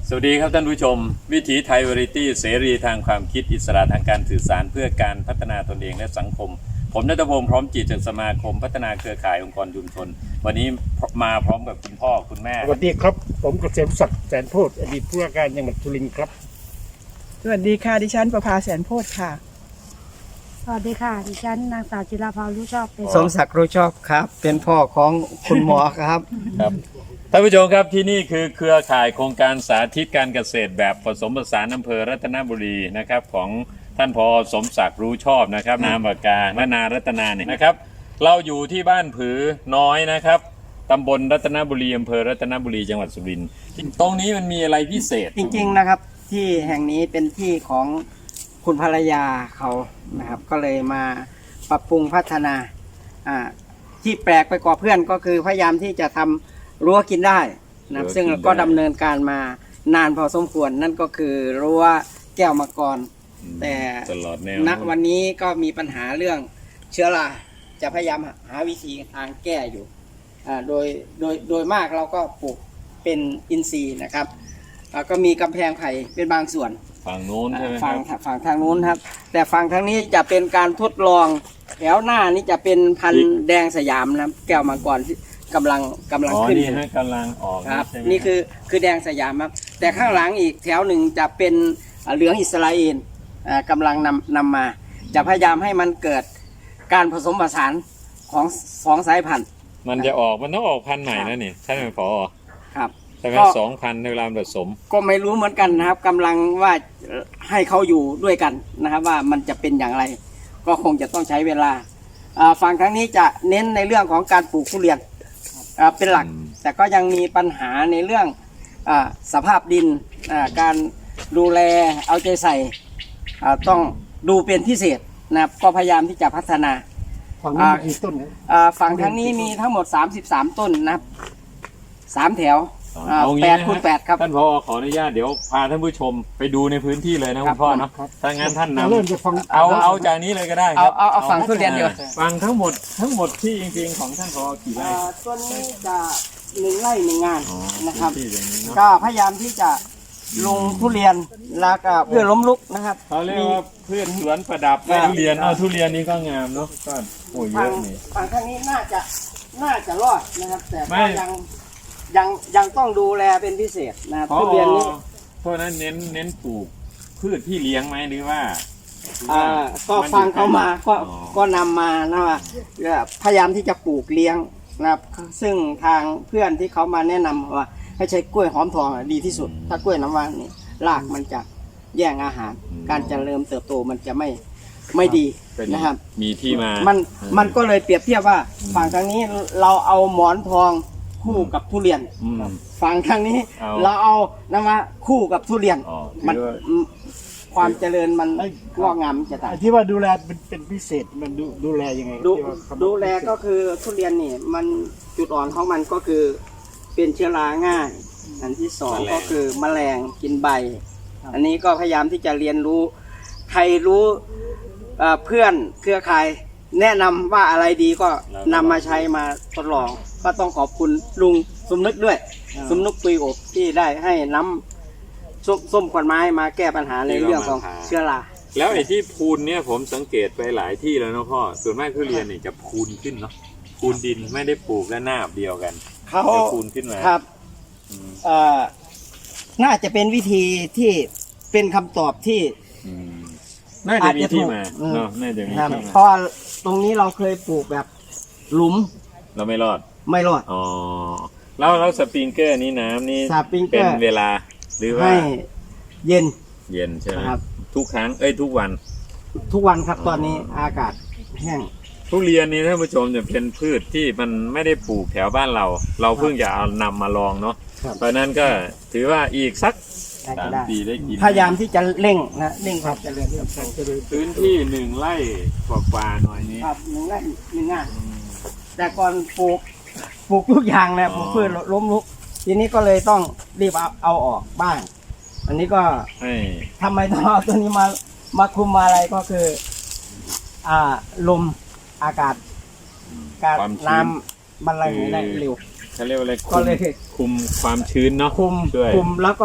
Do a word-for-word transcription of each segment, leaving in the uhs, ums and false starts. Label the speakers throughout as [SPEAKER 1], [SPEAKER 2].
[SPEAKER 1] สวัสดีครับท่านผู้ชมวิถีไทยวาไรตี้เสรีทางความคิดอิสระทางการสื่อสารเพื่อการพัฒนาตนเองและสังคมผมณัฐพงศ์พร้อมจิตจากสมาคมพัฒนาเครือข่ายองค์กรชุมชนวันนี้มาพร้อมกับคุณพ่อคุณแม่
[SPEAKER 2] สวัสดีครับผมเกษมศักดิ์แสนโพธิ์อดีตผู้ว่าการจังหวัดสุรินทร์ครับ
[SPEAKER 3] สวัสดีค่ะดิฉันประภาแสนโพธิ์ค่ะ
[SPEAKER 4] สวัสดีค่ะดิฉันนางสาวจิราภารู้ชอบเป็น
[SPEAKER 5] สมศักดิ์รู้ชอบครับเป็นพ่อของคุณหมอครับ
[SPEAKER 1] ครับท่านผู้ชมครับที่นี่คือเครือข่ายโครงการสาธิตการเกษตรแบบผสมผสานอำเภอรัตนบุรีนะครับของท่านผอ.สมศักดิ์รู้ชอบนะครับนามปากกาและนารัตนาเนี่ยนะครับเราอยู่ที่บ้านผือน้อยนะครับตำบลรัตนบุรีอำเภอรัตนบุรีจังหวัดสุรินทร์ตรงนี้มันมีอะไรพิเศษ
[SPEAKER 5] จริงๆนะครับที่แห่งนี้เป็นที่ของคุณภรรยาเขานะครับก็เลยมาปรับปรุงพัฒนาอ่าที่แปลกไปกว่าเพื่อนก็คือพยายามที่จะทำรั้วกินได้นะครับซึ่งก็ดำเนินการมานานพอสมควรนั่นก็คือรั้วแก้วมังกรแต่ณวันนี้ก็มีปัญหาเรื่องเชื้อราจะพยายามหาวิธีทางแก้อยู่อ่าโดยโดยโดยมากเราก็ปลูกเป็นอินทรีย์นะครับก็มีกำแพงไผ่เป็นบางส่วน
[SPEAKER 1] ฝั่งโน้นใช่ไหม
[SPEAKER 5] ฝั่งฝั่งทางโน้นครับแต่ฝั่งทางนี้จะเป็นการทดลองแถวหน้านี้จะเป็นพันธุ์แดงสยามนะแก้วมังกรที่กำลังกำลังขึ้น
[SPEAKER 1] นี่ฮะกำลังออก
[SPEAKER 5] ครับนี่คือคือแดงสยามครับแต่ข้างหลังอีกแถวหนึ่งจะเป็นเหลืองอิสราเอลกำลังนำนำมาจะพยายามให้มันเกิดการผสมผสานของสองสายพันธุ์
[SPEAKER 1] มันจะออกมันต้องออกพันธุ์ใหม่นะนี่ใช่ไหมผอ.
[SPEAKER 5] ครับ
[SPEAKER 1] แต่เป็นสองพันในเวลาผสม
[SPEAKER 5] ก็ไม่รู้เหมือนกันนะครับกำลังว่าให้เขาอยู่ด้วยกันนะครับว่ามันจะเป็นอย่างไรก็คงจะต้องใช้เวลาฝั่งทางนี้จะเน้นในเรื่องของการปลูกทุเรียนเป็นหลักแต่ก็ยังมีปัญหาในเรื่องสภาพดินการดูแลเอาใจใส่ต้องดูเป็นพิเศษนะครับก็พยายามที่จะพัฒนา
[SPEAKER 2] ฝั่งนี้มีกี่ต้น
[SPEAKER 5] ฝั่งทางนี้มีทั้งหมดสามสิบสามต้นนะครับสามแถวแปดคูณแปดครับ
[SPEAKER 1] ท่านผอ.ขออนุญาตเดี๋ยวพาท่านผู้ชมไปดูในพื้นที่เลยนะคุณพ่อเนาะถ้างั้นท่านนำเอาเอาจากนี้เลยก็ได้
[SPEAKER 5] เอาเอาเอาฝั่งทุเรียนเดียว
[SPEAKER 1] ฝั่งทั้งหมดทั้งหมดที่จริงๆของท่านผอ.กี่ไร่
[SPEAKER 5] ต้นนี้จะหนึ่งไร่หนึ่งงานนะครับก็พยายามที่จะลงทุเรียนแล้วก็เพื่อล้มลุกนะครับ
[SPEAKER 1] เขาเรียกว่าพืชสวนประดับทุเรียนเอาทุเรียนนี้ก็งามเนาะก็โอ้ยเยอะนี่
[SPEAKER 5] ฝั่งทางนี้น่าจะน่าจะรอดนะครับแต่ก็ยังยังยังต้องดูแลเป็นพิเศษนะทุเรียนนี้
[SPEAKER 1] เพราะนั้นเน้นเน้นปลูกพืชที่เลี้ยงไหมหรือว่า
[SPEAKER 5] อ่าก็ฟังเขามาก็ก็นำมานะว่าพยายามที่จะปลูกเลี้ยงนะครับซึ่งทางเพื่อนที่เขามาแนะนำว่าให้ใช้กล้วยหอมทองดีที่สุดถ้ากล้วยน้ำว้านี่รากมันจะแย่งอาหารการเจริญเติบโตมันจะไม่ไม่ดีนะครับ
[SPEAKER 1] มีที่มา
[SPEAKER 5] มันมันก็เลยเปรียบเทียบว่าฝั่งทางนี้เราเอาหมอนทองคู่กับทุเรียนฝั่งทางนี้เราเอานะมาคู่กับทุเรียนมันความเจริญมันงอกงามจะต่าง
[SPEAKER 2] ที่ว่าดูแลเป็นเป็นพิเศษมันดูดูแลยังไง
[SPEAKER 5] ดูดูแลก็คือทุเรียนนี่มันจุดอ่อนของมันก็คือเป็นเชื้อราง่ายอันที่สองก็คือแมลงกินใบอันนี้ก็พยายามที่จะเรียนรู้ใครรู้เพื่อนเครือข่ายแนะนำว่าอะไรดีก็นำมาใช้มาทดลองก็ต้องขอบคุณลุงสมนึกด้วยสมนึกปุยอบที่ได้ให้น้ำส้มส้มขวัญไม้มาแก้ปัญหาในเรื่องของเชื้อรา
[SPEAKER 1] แล้วไอ้ที่พูนเนี่ยผมสังเกตไปหลายที่แล้วนะพ่อส่วนมากทุเรียนนี่จะพูนขึ้นเนาะพูนดินไม่ได้ปลูกและหน้าเดียวกัน
[SPEAKER 5] เขา
[SPEAKER 1] พูนขึ้นมา
[SPEAKER 5] ครับเอ่อน่าจะเป็นวิธีที่เป็นคำตอบที่
[SPEAKER 1] น่าจะมีที่มาเนาะน่าจะมีที่มา
[SPEAKER 5] เพราะตรงนี้เราเคยปลูกแบบหลุม
[SPEAKER 1] เราไม่รอด
[SPEAKER 5] ไม่รอด
[SPEAKER 1] อ๋อแล้วแล้วสปริงเกอร์นี้น้ำนี่เป็นเวลาหรือว่า
[SPEAKER 5] เย็น
[SPEAKER 1] เย็นใช่ไหมครับทุกครั้งเอ้ยทุกวัน
[SPEAKER 5] ทุกวันครับตอนนี้อากาศแห้ง
[SPEAKER 1] ทุเรียนนี้ท่านผู้ชมจะเป็นพืชที่มันไม่ได้ปลูกแถวบ้านเราเราเพิ่งจะเอานำมาลองเนาะเพราะนั้นก็ถือว่าอีกสักสามปีได้กิน
[SPEAKER 5] พยายามที่จะเร่งนะเร่งความเจริญ
[SPEAKER 1] พื้นที่หนึ่งไร่กว่าๆหน่อยนี้
[SPEAKER 5] ครับหนึ่งไร่หนึ่งงานแต่ก่อนปลูกปลูกทุกอย่างนะปลูกพืชล้มลุกทีนี้ก็เลยต้องรีบเอาเอาออกบ้างอันนี้ก็ทำไมต้องเอาตัวนี้มามาคุมมาอะไรก็คืออ่าลมอากาศการน้ำมันไหลได้เร็ว
[SPEAKER 1] เขาเรียกว่าอะไรก็เลยคุมความชื้นเนาะ
[SPEAKER 5] คุมคุมแล้วก็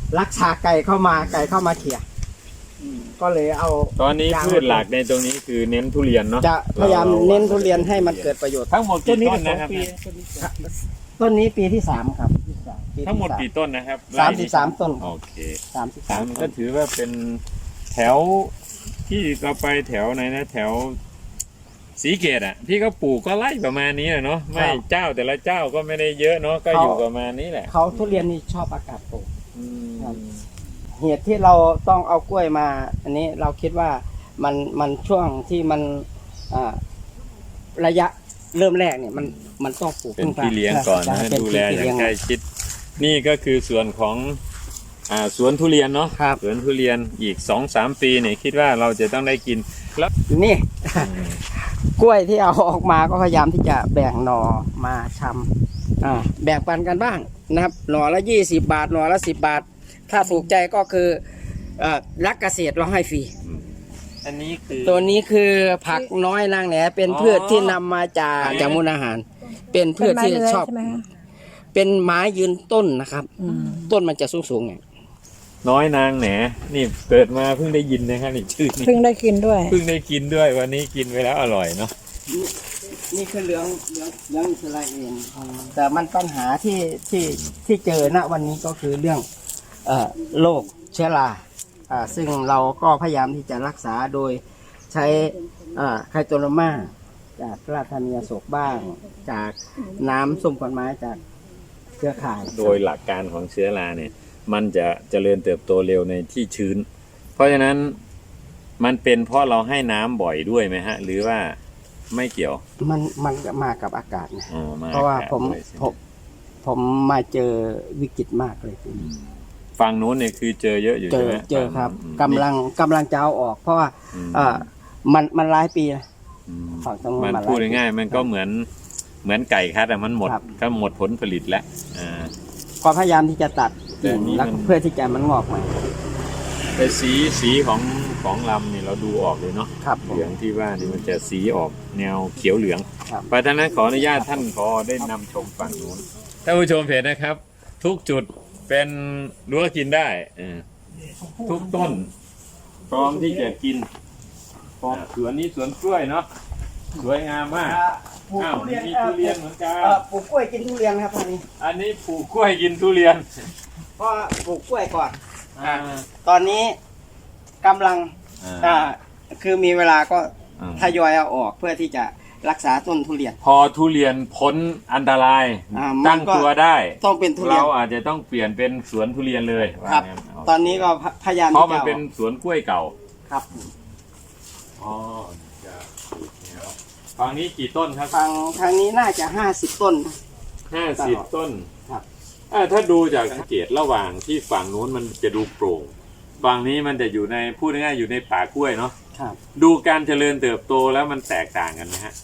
[SPEAKER 5] รักษาไก่เข้ามาไก่เข้ามาเขี่ยก็เลยเอา
[SPEAKER 1] ตอนนี้พืชหลักในตรงนี้คือเน้นทุเรียนเนาะ
[SPEAKER 5] จะพยายามเน้นทุเรียนให้มันเกิดประโยชน์
[SPEAKER 1] ทั้งหมด
[SPEAKER 2] ต้น
[SPEAKER 1] กี่
[SPEAKER 2] นี้
[SPEAKER 1] ต้
[SPEAKER 2] ก็
[SPEAKER 1] น
[SPEAKER 2] สอง
[SPEAKER 1] นะครับ
[SPEAKER 2] ปีต้นนี้สอง
[SPEAKER 5] ต้นนี้ปีที่สามครับปีที่
[SPEAKER 1] ทั้งหมด
[SPEAKER 5] สา
[SPEAKER 1] กี่ต้นนะครับ
[SPEAKER 5] สามสิบสามต้น
[SPEAKER 1] โอเค
[SPEAKER 5] สามสิบ
[SPEAKER 1] สา
[SPEAKER 5] สาม
[SPEAKER 1] ม
[SPEAKER 5] ต้
[SPEAKER 1] ก็
[SPEAKER 5] น
[SPEAKER 1] ถือว่าเป็นแถวที่เราไปแถวไหนนะ แถวสีเกตอ่ะพี่ก็ปลูกก็ไล่ประมาณนี้แหละเนาะไม่เจ้าแต่ละเจ้าก็ไม่ได้เยอะเนาะก็อยู่ประมาณนี้แหละ
[SPEAKER 5] เขาทุเรียนนี่ชอบอากาศโปร่ง
[SPEAKER 1] อืม
[SPEAKER 5] ครับ เหตุที่เราต้องเอากล้วยมา อันนี้เราคิดว่ามันมันช่วงที่มันอ่าระยะเริ่มแรกเนี่ยมันมันต้องปลูก
[SPEAKER 1] เป็นพี่เลี้ยงก่อนนะ
[SPEAKER 5] เป็น
[SPEAKER 1] ดูแล
[SPEAKER 5] พี่
[SPEAKER 1] อย่า
[SPEAKER 5] เลี้
[SPEAKER 1] งใกล้ชิด นี่ก็คือส่วนของอ่าสวนทุเรียนเนาะ
[SPEAKER 5] ครับ
[SPEAKER 1] สวนทุเรียนอีกสองสามปีเนี่ยคิดว่าเราจะต้องได้กินแล้ว
[SPEAKER 5] นี่ กล้วยที่เอาออกมาก็พยายามที่จะแบ่งหน่อมาชำอ่าแบ่งปันกันบ้างนะครับ หน่อละยี่สิบบาทหน่อละสิบบาท ถ้าถูกใจก็คือเอ่อรักเกษตรเราให้ฟรี
[SPEAKER 1] อันนี้คือ
[SPEAKER 5] ตัวนี้คือผักน้อยนางแหนเป็น
[SPEAKER 1] อ๋อ
[SPEAKER 5] พืชที่นำมาจาก
[SPEAKER 1] ไหน
[SPEAKER 5] จากมูลอาหาร เป็นพื
[SPEAKER 4] เป็น
[SPEAKER 5] ช
[SPEAKER 4] ไม้
[SPEAKER 5] ที่
[SPEAKER 4] เลื้อย
[SPEAKER 5] ชอบ
[SPEAKER 4] ใช่ไหมคะ
[SPEAKER 5] เป็นไม้ยืนต้นนะครับ
[SPEAKER 4] อืม
[SPEAKER 5] ต้นมันจะสูงสูงๆไง
[SPEAKER 1] น้อยนางแหนนี่เกิดมาเพิ่งได้ยินนะครับนี่ชื่อนี้
[SPEAKER 4] เพิ่งได้กินด้วย
[SPEAKER 1] เพิ่งได้กินด้วยวันนี้กินไปแล้วอร่อยเนาะ
[SPEAKER 5] นี่นี่คือเหลืองเหลืองเหลืองอิสราเอลแต่มันปัญหาที่ที่ที่เจอณวันนี้ก็คือเรื่องเอ่อโรคเชื้อราอ่าซึ่งเราก็พยายามที่จะรักษาโดยใช้อ่าไคโตโรมาจากราธานีอโศกบ้าง จากน้ำส้มขวัญไม้จากเครือข่าย
[SPEAKER 1] โดยหลักการของเชื้อราเนี่ย มันจะเจริญเติบโตเร็วในที่ชื้น เพราะฉะนั้นมันเป็นเพราะเราให้น้ำบ่อยด้วยไหมฮะ หรือว่าไม่เกี่ยว
[SPEAKER 5] มันมันมากับอากาศนะ
[SPEAKER 1] อ๋อม
[SPEAKER 5] เพราะว่าผม
[SPEAKER 1] ด้วยใช่ไห
[SPEAKER 5] ผมผมมาเจอวิกฤตมากเลยทีนี้
[SPEAKER 1] ฝั่งนู้นเนี่ยคือเจอเยอะอยู่
[SPEAKER 5] เจ
[SPEAKER 1] ใช่
[SPEAKER 5] อ
[SPEAKER 1] ไหม
[SPEAKER 5] เจอครับ
[SPEAKER 1] อืม
[SPEAKER 5] กำลังกำลังจะเอาออก เพราะว่า
[SPEAKER 1] อืม
[SPEAKER 5] อ่ามันมันหลายปีนะ
[SPEAKER 1] อืม
[SPEAKER 5] ฝั่งตรงนู้น
[SPEAKER 1] มัน
[SPEAKER 5] มาหลาย
[SPEAKER 1] พูด
[SPEAKER 5] ปี
[SPEAKER 1] ง่ายๆมันก็เหมือนเหมือนไก่คัดอะมันหมด
[SPEAKER 5] ครับ
[SPEAKER 1] ก็หมดผลผลิตแล้วอ่า
[SPEAKER 5] ก็พยายามที่จะตัด
[SPEAKER 1] แต่
[SPEAKER 5] กิ่ง
[SPEAKER 1] นี่
[SPEAKER 5] แล้ว
[SPEAKER 1] มัน
[SPEAKER 5] เพื่อที่จะมันงอกใหม่
[SPEAKER 1] แต่สีสีของของลำเนี่ยเราดูออกเลยเนาะ
[SPEAKER 5] ครับผม
[SPEAKER 1] เหลืองที่ว่านี่มันจะสีออกแนวเขียวเหลือง
[SPEAKER 5] ครับ
[SPEAKER 1] เพราะฉะนั้นขออนุญาตท่านพอได้นำชมฝั่งนู้นท่านผู้ชมเห็นนะครับ ทุกจุดเป็นรั้วกินได้เออทุกต้นพร้อมที่จะกินอ่าสวนนี้สวนกล้วยเนาะสวยงามมาก
[SPEAKER 5] ปลูก
[SPEAKER 1] อ้าว
[SPEAKER 5] ทุเรียน
[SPEAKER 1] มีทุเรียนเหมือนกัน
[SPEAKER 5] เอ่อปลูกกล้วยกินทุเรียนครับตอนนี้
[SPEAKER 1] อันนี้ปลูกกล้วยกินทุเรียน
[SPEAKER 5] เพราะปลูกกล้วยก่อน
[SPEAKER 1] อ่า
[SPEAKER 5] ตอนนี้กำลัง
[SPEAKER 1] อ่า
[SPEAKER 5] อ่าคือมีเวลาก็
[SPEAKER 1] อ่า
[SPEAKER 5] ทยอยเอาออกเพื่อที่จะรักษาต้นทุเรียน
[SPEAKER 1] พอทุเรียนพ้นอันตราย
[SPEAKER 5] อ่ามัน
[SPEAKER 1] ตั้ง
[SPEAKER 5] ก็
[SPEAKER 1] ตัวได้
[SPEAKER 5] ต้องเป็นทุเรีย
[SPEAKER 1] เรา
[SPEAKER 5] น
[SPEAKER 1] อาจจะต้องเปลี่ยนเป็นสวนทุเรียนเลย
[SPEAKER 5] ครับ
[SPEAKER 1] ว่างั้โเค
[SPEAKER 5] ตอนนี้ก็พยายาม
[SPEAKER 1] เพราะ
[SPEAKER 5] ที่
[SPEAKER 1] มัน
[SPEAKER 5] จะ
[SPEAKER 1] เป็น
[SPEAKER 5] อาออก
[SPEAKER 1] สวนกล้วยเก่า
[SPEAKER 5] ครับ
[SPEAKER 1] อ๋อจะเนี่ยครับฝั่งนี้กี่ต้นครับ
[SPEAKER 5] ทางทางนี้น่าจะห้าสิบต้น
[SPEAKER 1] ห้าสิบต้น
[SPEAKER 5] ครับ
[SPEAKER 1] อ่าถ้าดูจากสังเกตระหว่างที่ฝั่งนู้นมันจะดูโปร่ง ฝั่งนี้มันจะอยู่ในพูดง่ายๆอยู่ในป่ากล้วยเนาะ
[SPEAKER 5] ครับ
[SPEAKER 1] ดูการเจริญเติบโตแล้วมันแตกต่างกันไหมฮะ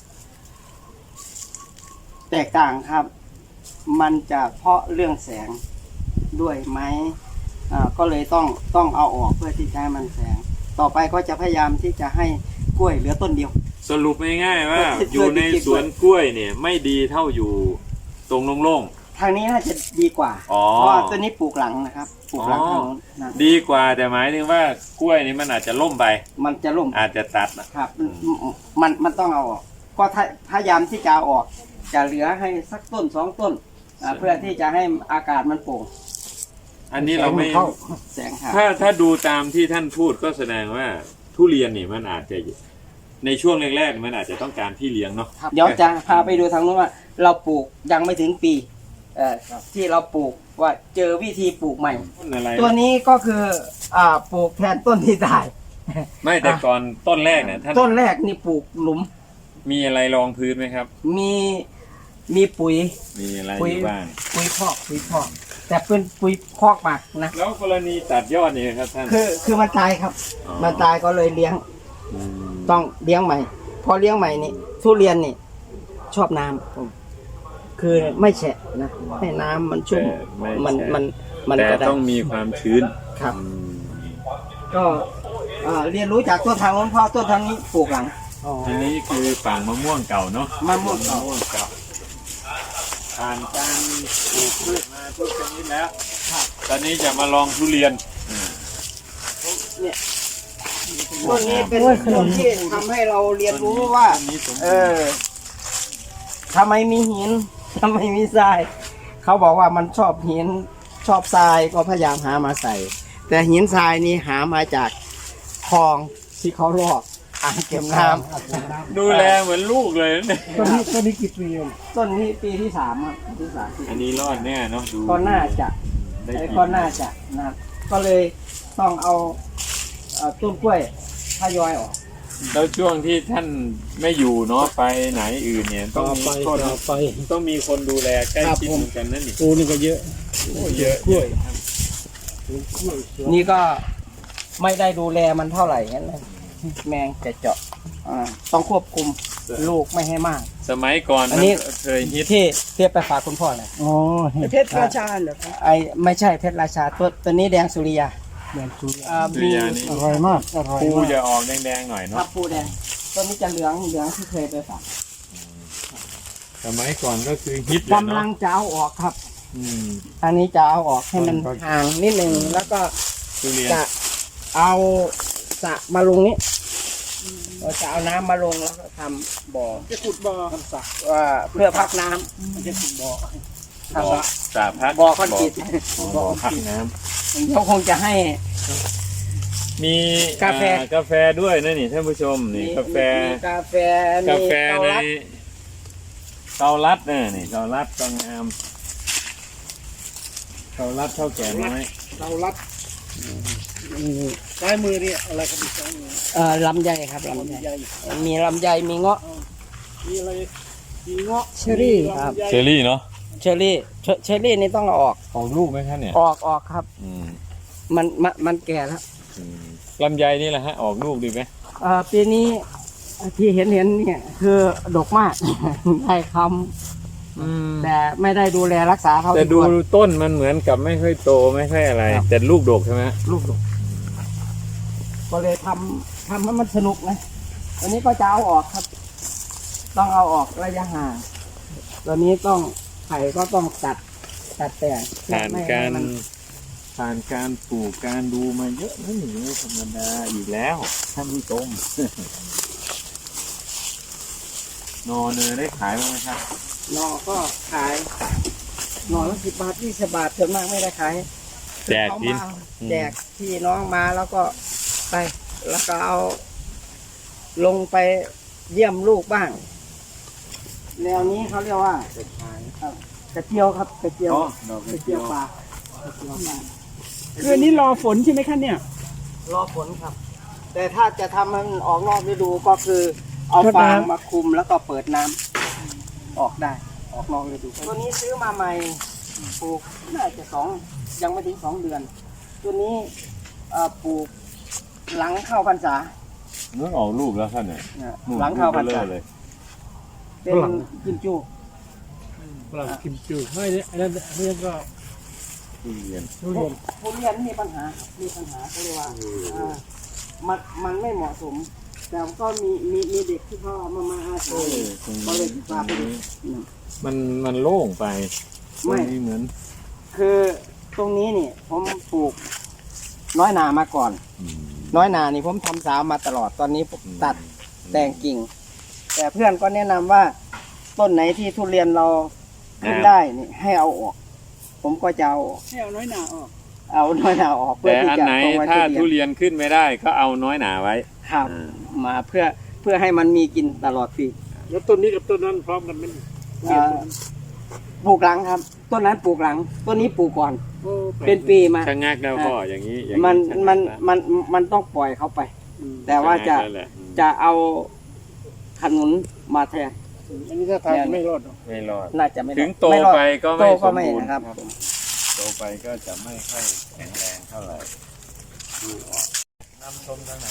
[SPEAKER 5] แตกต่างครับ มันจะเพราะเรื่องแสงด้วยไหมอ่าก็เลยต้องต้องเอาออกเพื่อที่จะให้มันแสง ต่อไปก็จะพยายามที่จะให้กล้วยเหลือต้นเดียว
[SPEAKER 1] สรุปง่ายๆว่า
[SPEAKER 5] เพื่อ
[SPEAKER 1] อยู่ในสวนกล้วยเนี่ยไม่ดีเท่าอยู่ตรงโล่ง
[SPEAKER 5] ทางนี้น่าจะดีกว่า
[SPEAKER 1] อ๋อ
[SPEAKER 5] เพราะว่าตัวนี้ปลูกหลังนะครับ ปลูกหลัง
[SPEAKER 1] อ๋อ
[SPEAKER 5] ทางนู้นนะ
[SPEAKER 1] ๆดีกว่าแต่หมายถึงว่ากล้วยนี่มันอาจจะล่มไป
[SPEAKER 5] มันจะล่ม
[SPEAKER 1] อาจจะตัดอะ
[SPEAKER 5] ครับมันมันต้องเอาออก ก็ถ้าพยายามที่จะเอาออก จะเหลือให้สักต้นสองต้นอ่าเพื่อที่จะให้อากาศมันโปร่ง
[SPEAKER 1] อันนี้เราไม่
[SPEAKER 5] แสงเข้าแสงครับ
[SPEAKER 1] ถ้าถ้าดูตามที่ท่านพูดก็แสดงว่าทุเรียนนี่มันอาจจะในช่วงแรกๆมันอาจจะต้องการพี่เลี้ยงเนาะ
[SPEAKER 5] เดี๋ยวจะพาไปดูทางนู้นว่า เราปลูกยังไม่ถึงปีเอ่อที่เราปลูกว่าเจอวิธีปลูกใหม่
[SPEAKER 1] ต้นอะไร
[SPEAKER 5] ตัวนี้ก็คืออ่าปลูกแทนต้นที่ตาย
[SPEAKER 1] ไม่แต่ก่อนต้นแรกเนี่ยท่าน
[SPEAKER 5] ต้นแรกนี่ปลูกหลุม
[SPEAKER 1] มีอะไรรองพื้นไหมครับ
[SPEAKER 5] มีมีปุ๋ย
[SPEAKER 1] มีอะไร
[SPEAKER 5] ปุ๋
[SPEAKER 1] อย ยู่บ้าง
[SPEAKER 5] ปุ๋ยคอกปุ๋ยคอก แต่เป็นปุ๋ยคอกหมักนะ
[SPEAKER 1] แล้วกรณีตัดยอดนี่ครับท่าน
[SPEAKER 5] คือคือมันตายครับ
[SPEAKER 1] อ๋อ
[SPEAKER 5] มันตายก็เลยเลี้ยง
[SPEAKER 1] ม
[SPEAKER 5] ต้องเลี้ยงใหม่ พอเลี้ยงใหม่นี่ทุเรียนนี่ชอบน้ำผมคือไม่แฉะนะให้น้ำมันชุ่ม
[SPEAKER 1] แต่ไ
[SPEAKER 5] มัน
[SPEAKER 1] ใช่
[SPEAKER 5] มันมัน
[SPEAKER 1] แต่
[SPEAKER 5] ก็ได้
[SPEAKER 1] ต้องมีความชื้น
[SPEAKER 5] ครับ
[SPEAKER 1] อืม
[SPEAKER 5] ก็เอ่อเรียนรู้จากต้นทางโน้นเพราะต้นทางนี้ปลูกหลัง
[SPEAKER 1] อันนี้คือฝั่งมะม่วงเก่าเนาะ
[SPEAKER 5] มะม่วงเก่า
[SPEAKER 1] มะม่วงเก่าผ่านการปลูกพืชมาทุกชนิดแล้ว
[SPEAKER 5] ครับ
[SPEAKER 1] ตอนนี้จะมาลองทุเรียน
[SPEAKER 5] เนี่ยต้นนี้เป็นต้นที่ทำให้เราเรียนรู้ว่า
[SPEAKER 1] ต้นนี้สม
[SPEAKER 5] เอ
[SPEAKER 1] บูรณ์
[SPEAKER 5] อทำไมมีหินทำไมมีทราย เขาบอกว่ามันชอบหินชอบทรายก็พยายามหามาใส่ แต่หินทรายนี่หามาจากคลองที่เขาลอกอ่างเก็บน้ำ
[SPEAKER 1] ดูแลเหมือนลูกเลยนะ
[SPEAKER 2] ต้นนี้ต้นนี้กี่ปีเอง
[SPEAKER 5] ต้นนี้ปีที่สามครับปีที่สาม
[SPEAKER 1] อันนี้รอดแน่เนาะดู
[SPEAKER 5] ก็น่าจะ
[SPEAKER 1] ได้
[SPEAKER 5] ไอ้
[SPEAKER 1] กิน
[SPEAKER 5] ก็น่าจะนะครับก็เลยต้องเอาเอ่อต้นกล้วยทยอยออก
[SPEAKER 1] แล้วช่วงที่ท่านไม่อยู่เนาะไปไหนอื่นเนี่ยต้
[SPEAKER 2] ต่
[SPEAKER 1] อง
[SPEAKER 2] อ
[SPEAKER 1] มี
[SPEAKER 2] ไป
[SPEAKER 1] คน
[SPEAKER 2] ต่อไป
[SPEAKER 1] ต้องมีคนดูแลใกล้
[SPEAKER 2] ครับ
[SPEAKER 1] ชิด
[SPEAKER 2] ผม
[SPEAKER 1] เหมือนกันนั่นนี่
[SPEAKER 2] ปูนี่ก็เยอะ
[SPEAKER 1] โอ้เยอะ
[SPEAKER 2] กล้วย
[SPEAKER 1] ครับ
[SPEAKER 2] ปลูกกล้วยสวน
[SPEAKER 5] นี่ก็ไม่ได้ดูแลมันเท่าไหร่งั้นเลยแมงจะเจาะอ่าต้องควบคุมลูกไม่ให้มาก
[SPEAKER 1] สมัยก่อน
[SPEAKER 5] อัน
[SPEAKER 1] มัน
[SPEAKER 5] นี้
[SPEAKER 1] เคยฮิต
[SPEAKER 5] ที่เทียบไปฝากคุณพ่อเลย
[SPEAKER 2] อ๋อ
[SPEAKER 3] ประเทศราชาเหรอคะ
[SPEAKER 5] ไอไม่ใช่เพชรราชาตัวตัวนี้แดงสุริยา
[SPEAKER 2] แดงสุริยา
[SPEAKER 5] อ่า
[SPEAKER 1] สุ
[SPEAKER 5] มี
[SPEAKER 1] ริยานี่
[SPEAKER 2] อร่อยมากอร่อย
[SPEAKER 1] ปู
[SPEAKER 2] มาก
[SPEAKER 1] จะออกแดงๆหน่อย
[SPEAKER 5] ครั
[SPEAKER 1] เนาะ
[SPEAKER 5] บปูแดงตัวนี้จะเหลืองเหลืองที่เคยไปฝาก
[SPEAKER 1] สมัยก่อนก็คือฮิตเลย
[SPEAKER 5] กำลั
[SPEAKER 1] เนาะ
[SPEAKER 5] งจะเอาออกครับ
[SPEAKER 1] อืม
[SPEAKER 5] อันนี้จะเอาออกให้มันห่างนิดนึงแล้วก็
[SPEAKER 1] ทุเรียน
[SPEAKER 5] จะเอาสระมาลงนี้เราจะเอาน้ำมาลงแล้วก็ทำบ่อ
[SPEAKER 2] จะขุดบ่อทำสระ
[SPEAKER 5] ว่าเพื่อพักน้ำ
[SPEAKER 2] มันจะขุดบ่อ
[SPEAKER 5] ทำ
[SPEAKER 1] บ่อสาพัก
[SPEAKER 5] บ่อคอนกรีต
[SPEAKER 1] บ่อพักน้
[SPEAKER 5] เขาคงจะให้
[SPEAKER 1] ำมี
[SPEAKER 5] กาแฟ
[SPEAKER 1] อ่กาแฟด้วยนะนี่ท่านผู้ชมนี่กาแฟ
[SPEAKER 5] มีกาแฟ
[SPEAKER 1] กาแฟ
[SPEAKER 5] มี
[SPEAKER 1] ใน
[SPEAKER 5] เกาลัด
[SPEAKER 1] เกาลัดเนี่ยนี่เกาลัดก็งามเกาลัดเท่าแก่น้อย
[SPEAKER 2] เรารัดซ้ายมือนี่อะไรครับอีกซ้ายมือ
[SPEAKER 5] เอ่อลำไยครับลำ
[SPEAKER 2] ลำ
[SPEAKER 5] ไย
[SPEAKER 2] ไย
[SPEAKER 5] มีลำไยมีเงาะ
[SPEAKER 2] มีอะไรมีเงาะ
[SPEAKER 5] เชอรี่
[SPEAKER 2] มี
[SPEAKER 5] ครับ
[SPEAKER 2] ลำไย
[SPEAKER 1] เชอรี่เนาะ
[SPEAKER 5] เชอรี่เชอเชอรี่นี่ต้องเอาออก
[SPEAKER 1] ออกลูกไหมครับเนี่ย
[SPEAKER 5] ออกออกครับ
[SPEAKER 1] อืม
[SPEAKER 5] มันมันมันแก่แล้ว
[SPEAKER 1] อืมลำไยนี่แหละฮะออกลูกดีไหม
[SPEAKER 5] เอ่อปีนี้ที่เห็นเห็นเนี่ยคือดกมาก ได้คำแต่ไม่ได้ดูแลรักษาเท่า
[SPEAKER 1] แต่
[SPEAKER 5] ที่
[SPEAKER 1] ดู
[SPEAKER 5] ควร
[SPEAKER 1] ต้นมันเหมือนกับไม่ค่อยโตไม่ค่อยอะไร
[SPEAKER 5] ครับ
[SPEAKER 1] แต่ลูกดกใช่ไหม
[SPEAKER 5] ลูกดกก็เลยทำทำให้มันสนุกนะตัวนี้ก็จะเอาออกครับ ต้องเอาออกระยะห่างตัวนี้ต้องไผ่ก็ต้องตัดตัดแต่ง
[SPEAKER 1] ผ่าน
[SPEAKER 5] ไม่ให้
[SPEAKER 1] การ
[SPEAKER 5] มัน
[SPEAKER 1] ผ่านการปลูกการดูมาเยอะนะนี่ไม่ธรรมดาอีกแล้วท่านผู้ชม นอเนยได้ขายบ้างไหมครับ
[SPEAKER 5] หนอก็ขายหนอละสิบบาทยี่สิบบาทส่วนมากไม่ได้ขาย
[SPEAKER 1] แจกกิน
[SPEAKER 5] เขามาแจกพี่น้องมาแล้วก็ไป แล้วก็เอาลงไปเยี่ยมลูกบ้าง แนวนี้เขาเรียกว่าครับกระเจียวครับกระเจียว
[SPEAKER 1] อ๋อดอกก
[SPEAKER 5] ก
[SPEAKER 1] ระ
[SPEAKER 5] ระ
[SPEAKER 1] เจี
[SPEAKER 5] เจี
[SPEAKER 1] ย
[SPEAKER 5] ยว วปลา
[SPEAKER 3] คืออันนี้รอฝนใช่ไหมคะเนี่ย
[SPEAKER 5] รอผลครับ แต่ถ้าจะทำให้มันออกนอกฤดูก็คือ เอา
[SPEAKER 3] รดน้ำ
[SPEAKER 5] ฟางมาคลุมแล้วก็เปิดน้ำออกได้ ออกนอกฤดูตัวนี้ซื้อมาใหม่ปลูกน่าจะสองยังไม่ถึงสองเดือน ตัวนี้เอ่อปลูกหลังเข้าพรรษา
[SPEAKER 1] นู้นออกลูกแล้วท่านเนี่ย
[SPEAKER 5] นะหลังเข้าพรรษา
[SPEAKER 1] เลย
[SPEAKER 5] เป็นกิมจู
[SPEAKER 2] ฝรั่งกิมจูไม่เนี่ยอันนั้นอันนี้ก็
[SPEAKER 1] ทุเรียน
[SPEAKER 2] ทุเรียน
[SPEAKER 5] ทุเรียนมีปัญหา มีปัญหาก็เลยว่าอ่ามันมันไม่เหมาะสม แต่ก็มีมีมีเด็กที่เขาเอามามาอาศัยก็เลยพาไปดู
[SPEAKER 1] มันมันโล่งไป
[SPEAKER 5] ไม่
[SPEAKER 1] ตรงนี้เหมือน
[SPEAKER 5] คือตรงนี้นี่ผมปลูกน้อยนามาก่อน
[SPEAKER 1] อืม
[SPEAKER 5] น้อยนานี่ผมทำสาวมาตลอดตอนนี้ผมตัดแต่งกิ่ง แต่เพื่อนก็แนะนำว่าต้นไหนที่ทุเรียนเราขึ้นได้นี่ให้เอาออก ผมก็จะเอาออก
[SPEAKER 3] ให้เอาน้อยหนาออก
[SPEAKER 5] เอาน้อยนาออกเพื่อ
[SPEAKER 1] แต่
[SPEAKER 5] ที่
[SPEAKER 1] อัน
[SPEAKER 5] จะ
[SPEAKER 1] ไหน
[SPEAKER 5] ตรงไว้
[SPEAKER 1] ถ้า
[SPEAKER 5] ทุ
[SPEAKER 1] ทุ
[SPEAKER 5] เรียน
[SPEAKER 1] เรียนขึ้นไม่ได้ก็เอาน้อยหนาไว้
[SPEAKER 5] ครับ
[SPEAKER 1] อ่า
[SPEAKER 5] มาเพื่อเพื่อให้มันมีกินตลอดปี
[SPEAKER 2] แล้วต้นนี้กับต้นนั้นพร้อมกันไหม
[SPEAKER 5] อ่าปลูกหลังครับ ต้นนั้นปลูกหลัง ต้นนี้ปลูกก่อน
[SPEAKER 2] โอ้แลก
[SPEAKER 5] เป็นปีมา
[SPEAKER 1] ชะงักแล้วก็อย่างนี้อย่าง
[SPEAKER 5] มัน
[SPEAKER 1] ชะงัก
[SPEAKER 5] มัน
[SPEAKER 1] แล้ว
[SPEAKER 5] มันมันต้องปล่อยเขาไป
[SPEAKER 2] อืม
[SPEAKER 5] แต่ว่าจะ
[SPEAKER 1] ชงักแล้วแหลอืม
[SPEAKER 5] จะเอาขนุนมาแทน
[SPEAKER 2] อันนี้ถ้าทางไม่รอดหรอก
[SPEAKER 1] ไม่รอด
[SPEAKER 5] น่าจะไม่
[SPEAKER 1] ถึงโต
[SPEAKER 5] ม่รอด
[SPEAKER 1] ไปก็
[SPEAKER 5] โต
[SPEAKER 1] ไม่ส
[SPEAKER 5] ก็
[SPEAKER 1] ม
[SPEAKER 5] ไม่
[SPEAKER 1] บูรณ์
[SPEAKER 5] นะครับ
[SPEAKER 1] โตไปก็จะไม่ค่อยแข็งแรงเท่าไหร่ดูออกนำชมทางไหน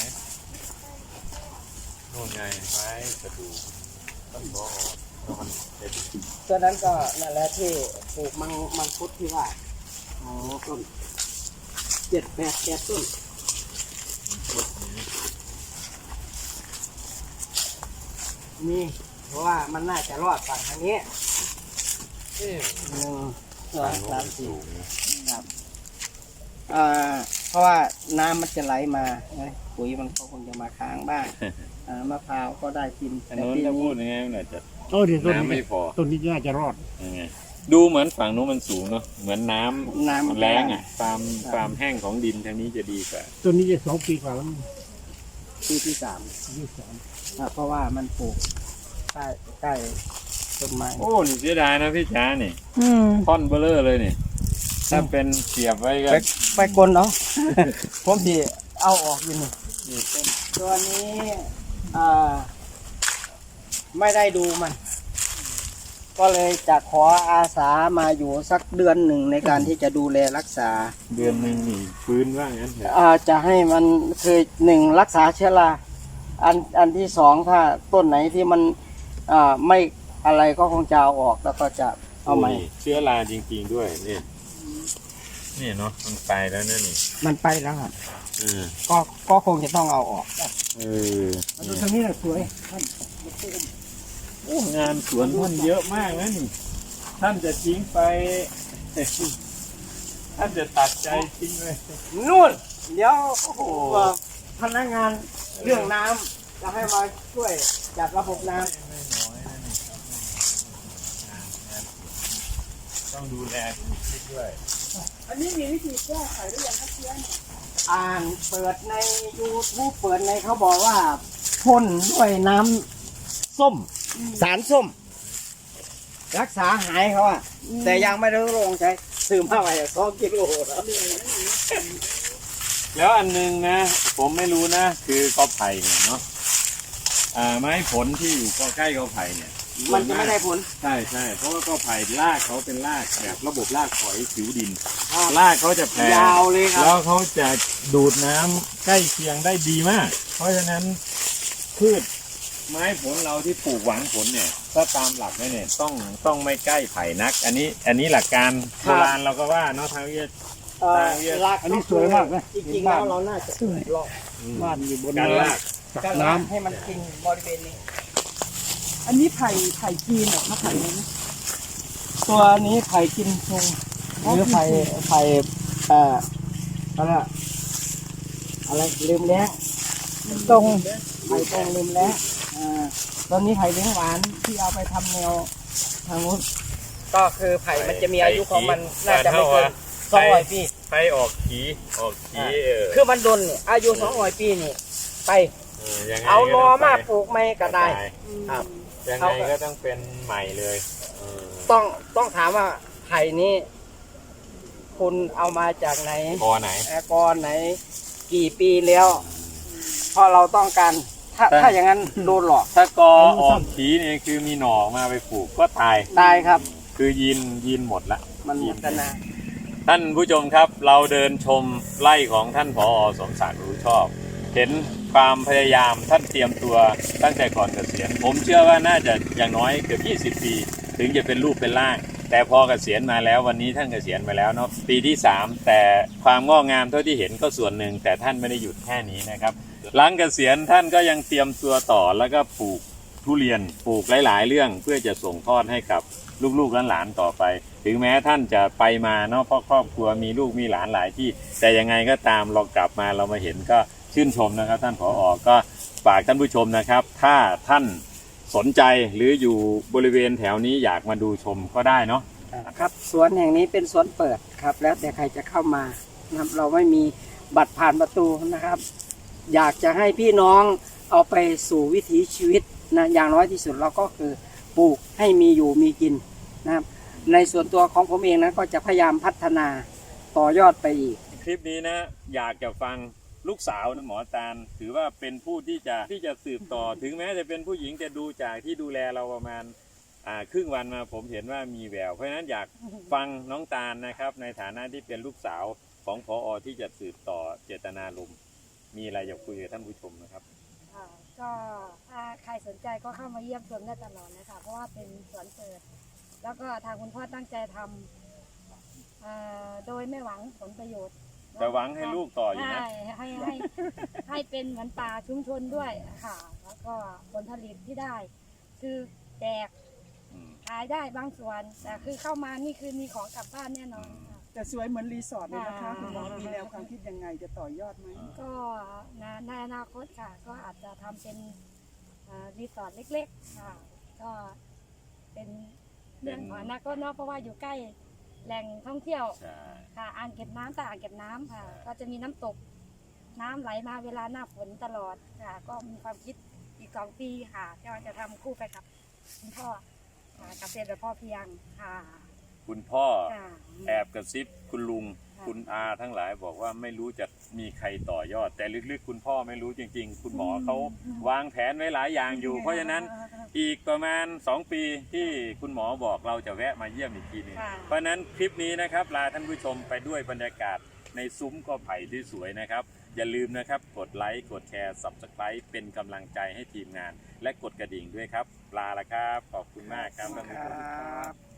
[SPEAKER 1] โน่นไงไม้กระดูกต้นบอแล้วมันเป็น
[SPEAKER 5] ตัวนั้นก็นั่นแหละที่ปลูกมังมังคุดที่ว่าอ๋อต้นเจ็ดแปดแปดต้นนี่เพราะว่ามันน่าจะรอดฝั่งทางนี้
[SPEAKER 1] เอ๊ะ
[SPEAKER 5] หนึ่งสองสามสี่ครับอ่าเพราะว่าน้ำมันจะไหลมานะปุ๋ยมันก็คงจะมาค้างบ้างอ่ามะพร้าวก็ได้กิน
[SPEAKER 1] อัน
[SPEAKER 5] แต่
[SPEAKER 1] นู้น
[SPEAKER 5] ปี
[SPEAKER 1] ถ้าพู
[SPEAKER 5] นี้
[SPEAKER 1] ดยังไงมันอาจจะ
[SPEAKER 2] โอ้เดี๋ยวต้น
[SPEAKER 1] น้ำไม่
[SPEAKER 2] นี้
[SPEAKER 1] พอ
[SPEAKER 2] ต้นนี้น่าจะรอด
[SPEAKER 1] ยังไงดูเหมือนฝั่งนู้นมันสูงเนาะเหมือนน้ำ
[SPEAKER 5] น้ำ
[SPEAKER 1] แรงอ่ะความความแห้งของดินทางนี้จะดีกว่า
[SPEAKER 2] ต้นนี้จะสองปีกว่าแล้วมั้ง
[SPEAKER 5] ปีที่สาม
[SPEAKER 2] ยี่สิบสาม
[SPEAKER 5] อ่าเพราะว่ามันปลูกใต้ใต้ต้นไม้
[SPEAKER 1] โอ้นี่เสียดายนะพี่จ๋านี่
[SPEAKER 3] อืม
[SPEAKER 1] ท่อนเบลเลอร์เลยนี่ถ้าเป็นเสียบไว้ก็
[SPEAKER 5] ไปไปกลนเนาะ ผมที่เอาออกอยู่นี่ตัวนี้อ่าไม่ได้ดูมัน ก็เลยจะขออาสามาอยู่สักเดือนหนึ่งในการที่จะดูแลรักษา
[SPEAKER 1] เดือนหนึ่งนี่ฟื้นว่างั้นเถอะ
[SPEAKER 5] อ่าจะให้มันคือหนึ่งรักษาเชื้อราอันอันที่สองถ้าต้นไหนที่มันอ่าไม่อะไรก็คงจะเอาออกแล้วก็จะเอาใหม่
[SPEAKER 1] โยเชื้อราจริง ๆด้วยนี่นี่เนาะมันไปแล้วนะนี่
[SPEAKER 5] มันไปแล้วครับ
[SPEAKER 1] เออ
[SPEAKER 5] ก็ก็คงจะต้องเอาออก
[SPEAKER 1] เออ
[SPEAKER 2] ดู
[SPEAKER 1] นี่
[SPEAKER 2] ทางนี้น่ะสวย
[SPEAKER 1] โอ้งานสวนท่านเยอะมากนะนี่ ท่านจะทิ้งไป ท่านจะตัดใจทิ้งเลย
[SPEAKER 5] นู่นเดี๋ยวโอ้โหพนักงานเรื่องน้ำจะให้มาช่วยจัดระบบน้
[SPEAKER 1] ไม่น้อยนะนี่ต้องดูแลคิดด้วย
[SPEAKER 3] อันนี้มีวิธีแก้ไขหรือยังครับเพื่อน
[SPEAKER 5] ำอ่านเปิดใน YouTube เปิดในเขาบอกว่าพ่นด้วยน้ำส้ม สารส้ม รักษาหายเขาอะแต่ยังไม่ได้ลงใช้ซื้อมาไว้สองกิโลแล้ว
[SPEAKER 1] แล้วอันหนึงนะ ผมไม่รู้นะ คือกอไผ่เนี่ยเนาะอ่าไม้ผลที่อยู่ใกล้กอไผ่เนี่ย
[SPEAKER 5] มันจะไม่ได้ผล
[SPEAKER 1] ใช่ใช่เพราะว่ากอไผ่รากเขาเป็นรากแบบระบบรากฝอยผิวดิน
[SPEAKER 5] ครับ
[SPEAKER 1] รากเขาจะแผ่
[SPEAKER 5] ยาวเลยครับ
[SPEAKER 1] แล้วเขาจะดูดน้ำใกล้เคียงได้ดีมาก เพราะฉะนั้นพืชไม้ผลเราที่ปลูกหวังผลเนี่ยถ้าตามหลักเนี่ยต้องต้องไม่ใกล้ไผ่นัก อันนี้อันนี้หลักการโบราณเราก็ว่าเนาะทางวิทยา
[SPEAKER 5] เอ่อราก
[SPEAKER 2] อันนี้สวยมากนะ
[SPEAKER 5] จริงๆแล้วเราน่าจะลอก
[SPEAKER 2] บ้านอยู่บน
[SPEAKER 1] การ
[SPEAKER 2] เนิน
[SPEAKER 1] ลาก
[SPEAKER 2] ตัก
[SPEAKER 5] การ
[SPEAKER 2] น้
[SPEAKER 5] ลากให้มันกินบริเวณนี้
[SPEAKER 3] อันนี้ไผ่ไผ่จีนเหรอคะไผ่นี้นะ
[SPEAKER 5] ตัวนี้ไผ่กินชุงหรือไผ่ไผ่เอ่ออะไรอะอะไรลืมแล้ว
[SPEAKER 3] ตรง
[SPEAKER 5] ไผ่ตรงลืมแล้วอ่าตอนนี้ไผ่เลี้ยงหวานที่เอาไปทำแนวทางนู้นก็คือไผ่มันจะมีอายุของมันน่าจะไม่เกินสองร้อยปี
[SPEAKER 1] ไผ่ออกขีออกขีเออ
[SPEAKER 5] คือมันดนนี่อายุสองร้อยปีนี่ไป
[SPEAKER 1] เออยังไง
[SPEAKER 5] เอา
[SPEAKER 1] ก็
[SPEAKER 5] นอ
[SPEAKER 1] ต้ง
[SPEAKER 5] มา
[SPEAKER 1] ไป
[SPEAKER 5] ปลูกไม่ก็ได้ ครับ
[SPEAKER 1] ยังไงก็ต้องเป็นใหม่เลยเออ
[SPEAKER 5] ต้องต้องถามว่าไผ่นี้คุณเอามาจากไหน
[SPEAKER 1] กอไหน
[SPEAKER 5] แอร์กอนไหน กี่ปีแล้วเพราะเราต้องการถ้า
[SPEAKER 1] แต่
[SPEAKER 5] ถ้าอย่างนั้นโดนหลอก
[SPEAKER 1] ถ้ากอออกขีเนี่ยคือมีหน่อมาไปปลูกก็ตาย
[SPEAKER 5] ตายครับ
[SPEAKER 1] คือยินยินหมดละ
[SPEAKER 5] มันหมดกันนะ
[SPEAKER 1] ท่านผู้ชมครับเราเดินชมไร่ของท่านผอสมศักดิ์รู้ชอบ เห็นความพยายามท่านเตรียมตัวตั้งแต่ก่อนเกษียณผมเชื่อว่าน่าจะอย่างน้อยเกือบยี่สิบปี ถึงจะเป็นรูปเป็นร่าง แต่พอเกษียณมาแล้ววันนี้ท่านเกษียณมาแล้วเนาะปีที่สามแต่ความงอกงามเท่าที่เห็นก็ส่วนหนึ่งแต่ท่านไม่ได้หยุดแค่นี้นะครับหลังเกษียณท่านก็ยังเตรียมตัวต่อแล้วก็ปลูกทุเรียนปลูกหลาย ๆ เรื่องเพื่อจะส่งทอดให้กับลูกๆหลานๆต่อไป ถึงแม้ท่านจะไปมาเนาะเพราะครอบครัวมีลูกมีหลานหลายที่ แต่ยังไงก็ตามเรากลับมาเรามาเห็นก็ชื่นชมนะครับ ท่านผอก็ฝากท่านผู้ชมนะครับ ถ้าท่านสนใจหรืออยู่บริเวณแถวนี้อยากมาดูชมก็ได้เนาะ
[SPEAKER 5] ครับสวนแห่งนี้เป็นสวนเปิดครับ แล้วแต่ใครจะเข้ามานะครับเราไม่มีบัตรผ่านประตูนะครับ อยากจะให้พี่น้องเอาไปสู่วิถีชีวิตนะอย่างน้อยที่สุดเราก็คือปลูกให้มีอยู่มีกินนะครับ ในส่วนตัวของผมเองนะก็จะพยายามพัฒนาต่อยอดไปอีก
[SPEAKER 1] คลิปนี้นะอยากจะฟังลูกสาวนะหมอตาลถือว่าเป็นผู้ที่จะที่จะสืบต่อ ถึงแม้จะเป็นผู้หญิงจะดูจากที่ดูแลเราประมาณอ่าครึ่งวันมาผมเห็นว่ามีแววเพราะฉะนั้นอยากฟังน้องตาลนะครับ ในฐานะที่เป็นลูกสาวของผอที่จะสืบต่อเจตนารมณ์มีอะไรอยากคุยกับท่านผู้ชมนะครับ
[SPEAKER 4] ค่ะก็ถ้าใครสนใจก็เข้ามาเยี่ยมชมได้ตลอดนะคะเพราะว่าเป็นสวนเปิด แล้วก็ทางคุณพ่อตั้งใจทำเอ่อโดยไม่หวังผลประโยชน์
[SPEAKER 1] แต่หวังให้ลูกต่ออยู่นะ
[SPEAKER 4] ใช่ให้ให้ให้เป็นเหมือนป่าชุมชนด้วยค่ะ แล้วก็ผลผลิตที่ได้ คือแจก
[SPEAKER 1] อืม
[SPEAKER 4] ขายได้บางส่วน แต่คือเข้ามานี่คือมีของกลับบ้านแน่นอนค่ะ
[SPEAKER 3] แต่สวยเหมือนรีสอร์ทเลยนะคะ
[SPEAKER 4] อ่า
[SPEAKER 3] คุณหมอมีแนวความคิดยังไงจะต่อยอดไหม
[SPEAKER 4] ก็ในในอนาคตค่ะ ก็อาจจะทำเป็นเอ่อรีสอร์ทเล็กๆค่ะ ก็เป็นเรื่องของอนาคตเนาะเพราะว่าอยู่ใกล้แหล่งท่องเที่ยว
[SPEAKER 1] ใช่
[SPEAKER 4] ค่ะอ่างเก็บน้ำตาอ่างเก็บน้ำค่ะ
[SPEAKER 1] ใช่
[SPEAKER 4] ก็จะมีน้ำตกน้ำไหลมาเวลาหน้าฝนตลอดค่ะ ก็มีความคิดอีกสองปีค่ะก็จะทำคู่ไปกับคุณพ่อค่ะเกษตรแบบพ่อเพียงค่ะ
[SPEAKER 1] คุณพ่อ
[SPEAKER 4] ค่ะ
[SPEAKER 1] แอบกระซิบคุณลุง
[SPEAKER 4] ค่ะ
[SPEAKER 1] คุณอาทั้งหลายบอกว่าไม่รู้จะมีใครต่อยอด แต่ลึกๆ คุณพ่อไม่รู้จริง ๆ คุณหมอเขาวางแผนไว้หลายอย่างอยู่ เพราะฉะนั้นอีกประมาณสองปีที่คุณหมอบอกเราจะแวะมาเยี่ยมอีกทีหนึง
[SPEAKER 4] ค่ะ
[SPEAKER 1] เพราะฉะนั้นคลิปนี้นะครับลาท่านผู้ชมไปด้วยบรรยากาศในซุ้มกอไผ่ที่สวยนะครับ อย่าลืมนะครับกดไลค์กดแชร์ ซับสไครป์ เป็นกำลังใจให้ทีมงาน และกดกระดิ่งด้วยครับลาละครับขอบคุณมากครับท่านผู้ชม
[SPEAKER 5] ครับ